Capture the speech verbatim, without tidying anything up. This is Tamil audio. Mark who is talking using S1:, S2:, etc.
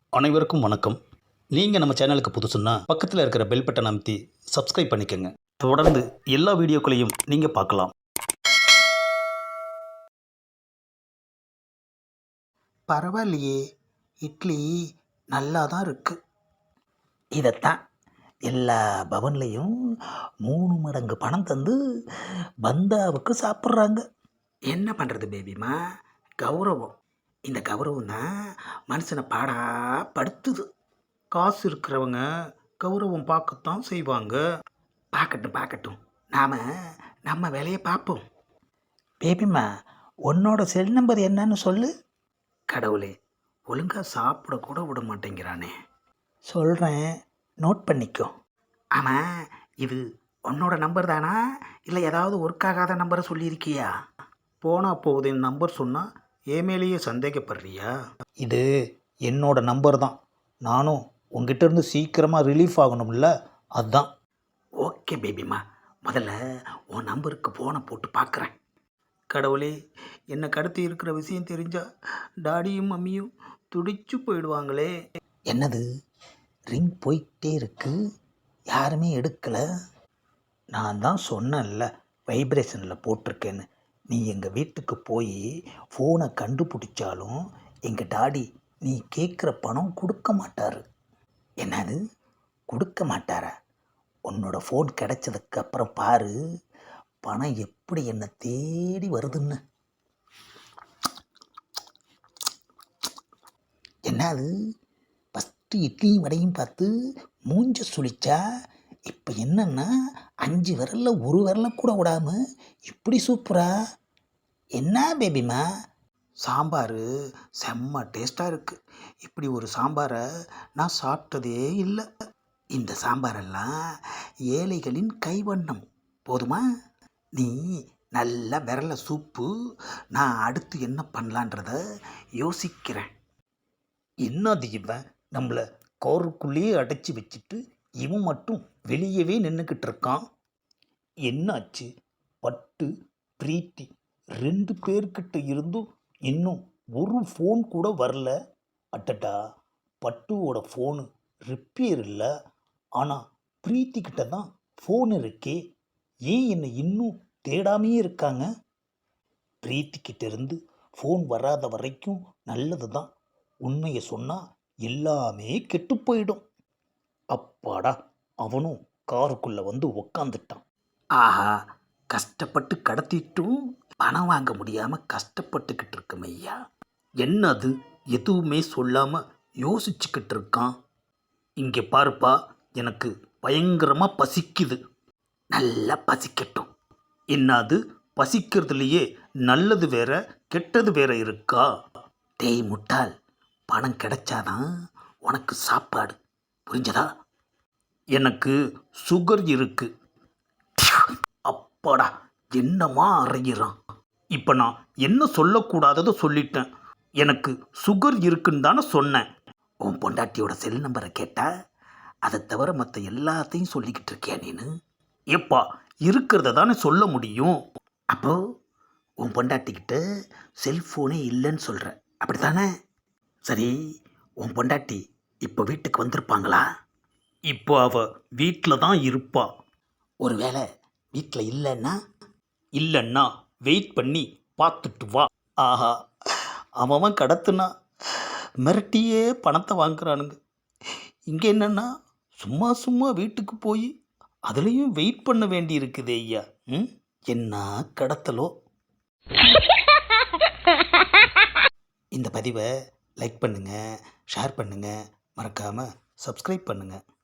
S1: அனைவருக்கும் வணக்கம். நீங்கள் நம்ம சேனலுக்கு புதுசுன்னா பக்கத்தில் இருக்கிற பெல் பட்டனை அமைத்தி சப்ஸ்கிரைப் பண்ணிக்கோங்க. தொடர்ந்து எல்லா வீடியோக்களையும் நீங்கள் பார்க்கலாம்.
S2: பரவாயில்லையே, இட்லி நல்லா தான் இருக்கு. இதைத்தான் எல்லா பவன்லையும் மூணு மடங்கு பணம் தந்து பந்தாவுக்கு சாப்பிட்றாங்க. என்ன பண்ணுறது பேபிமா, கௌரவம். இந்த கௌரவம் தான் மனுஷனை பாடா படுத்துது. காசு இருக்கிறவங்க கௌரவம் பார்க்கத்தான் செய்வாங்க. பார்க்கட்டும் பார்க்கட்டும், நாம் நம்ம வேலையை பார்ப்போம். பேபிமா, உன்னோட செல் நம்பர் என்னன்னு சொல்லு. கடவுளே, ஒழுங்காக சாப்பிட கூட விட மாட்டேங்கிறானே. சொல்கிறேன், நோட் பண்ணிக்கோ. ஆமாம், இது உன்னோட நம்பர் தானா இல்லை ஏதாவது ஒர்க் ஆகாத நம்பரை சொல்லியிருக்கியா?
S1: போனால் போகுது நம்பர் சொன்னால் ஏமேலேயே சந்தேகப்படுறியா?
S2: இது என்னோட நம்பர் தான். நானும் உங்ககிட்ட இருந்து சீக்கிரமாக ரிலீஃப் ஆகணும்ல, அதுதான். ஓகே பேபிமா, முதல்ல உன் நம்பருக்கு ஃபோனை போட்டு பார்க்குறேன்.
S1: கடவுளே, என்னை கடத்தி இருக்கிற விஷயம் தெரிஞ்சா டாடியும் மம்மியும் துடிச்சு போயிடுவாங்களே.
S2: என்னது, ரிங் போயிட்டே இருக்கு, யாருமே எடுக்கலை. நான் தான் சொன்னேன்ல வைப்ரேஷனில் போட்டிருக்கேன்னு. நீ எங்கள் வீட்டுக்கு போய் ஃபோனை கண்டுபிடிச்சாலும் எங்கள் டாடி நீ கேட்குற பணம் கொடுக்க மாட்டார். என்னது, கொடுக்க மாட்டாரா? உன்னோட ஃபோன் கிடைச்சதுக்கு அப்புறம் பாரு, பணம் எப்படி என்னை தேடி வருதுன்னு. என்னது, ஃபஸ்ட்டு இட்லியும் வடையும் பார்த்து மூஞ்ச சுழிச்சா, இப்போ என்னன்னா அஞ்சு விரலில் ஒரு விரலை கூட விடாமல் இப்படி சூப்பரா. என்ன பேபிமா?
S1: சாம்பார் செம்ம டேஸ்ட்டாக இருக்குது. இப்படி ஒரு சாம்பாரை நான் சாப்பிட்டதே இல்லை.
S2: இந்த சாம்பாரெல்லாம் ஏழைகளின் கைவண்ணம், போதுமா? நீ நல்ல விரல சூப்பு, நான் அடுத்து என்ன பண்ணலான்றத யோசிக்கிறேன்.
S1: என்னது இவன் நம்மளை கோருக்குள்ளேயே அடைச்சி வச்சுட்டு இவன் மட்டும் வெளியவே நின்றுக்கிட்டு இருக்கான். என்னாச்சு? பட்டு பிரீத்தி ரெண்டு பேர்கிட்ட இருந்தும் இன்னும் ஒரு ஃபோன் கூட வரல. அட்டடா, பட்டுவோட ஃபோனு ரிப்பேர் இல்லை, ஆனால் பிரீத்திக்கிட்ட தான் ஃபோன் இருக்கே. ஏன் என்னை இன்னும் தேடாமையே இருக்காங்க? பிரீத்திக்கிட்ட இருந்து ஃபோன் வராத வரைக்கும் நல்லது தான். உண்மையை சொன்னால் எல்லாமே கெட்டு போயிடும். அப்பாடா, அவனும் காருக்குள்ளே வந்து உக்காந்துட்டான்.
S2: ஆஹா, கஷ்டப்பட்டு கடத்திட்டும் பணம் வாங்க முடியாமல் கஷ்டப்பட்டுக்கிட்டு இருக்கோம் ஐயா.
S1: என்னது, எதுவுமே சொல்லாமல் யோசிச்சுக்கிட்டு இருக்கான். இங்கே பாருப்பா, எனக்கு பயங்கரமாக பசிக்குது.
S2: நல்லா பசிக்கட்டும்.
S1: என்னது, பசிக்கிறதுலையே நல்லது வேற கெட்டது வேற இருக்கா?
S2: டேய் முட்டாள், பணம் கிடைச்சாதான் உனக்கு சாப்பாடு, புரிஞ்சதா?
S1: எனக்கு சுகர் இருக்கு.
S2: அப்பாடா, என்னமா அறையிறான்.
S1: இப்போ நான் என்ன சொல்லக்கூடாததை சொல்லிட்டேன். எனக்கு சுகர் இருக்குன்னு தானே சொன்னேன்.
S2: உன் பொண்டாட்டியோட செல் நம்பரை கேட்டால் அதை தவிர மற்ற எல்லாத்தையும் சொல்லிக்கிட்டு இருக்கியா நீனு?
S1: எப்பா, இருக்கிறத தானே சொல்ல முடியும்.
S2: அப்போ உன் பொண்டாட்டிக்கிட்ட செல்ஃபோனே இல்லைன்னு சொல்கிற, அப்படி தானே? சரி, உன் பொண்டாட்டி இப்போ வீட்டுக்கு வந்திருப்பாங்களா?
S1: இப்போ அவ வீட்டில் தான் இருப்பா.
S2: ஒருவேளை வீட்டில் இல்லைன்னா?
S1: இல்லைன்னா வெயிட் பண்ணி பார்த்துட்டு வா. ஆஹா, அவன் கடத்துனா மிரட்டியே பணத்தை வாங்குறானுங்க. இங்கே என்னென்னா சும்மா சும்மா வீட்டுக்கு போய் அதுலேயும் வெயிட் பண்ண வேண்டி இருக்குது ஐயா. ம்,
S2: என்ன கடத்தலோ. இந்த பதிவை லைக் பண்ணுங்கள், ஷேர் பண்ணுங்கள், மறக்காமல் சப்ஸ்கிரைப் பண்ணுங்கள்.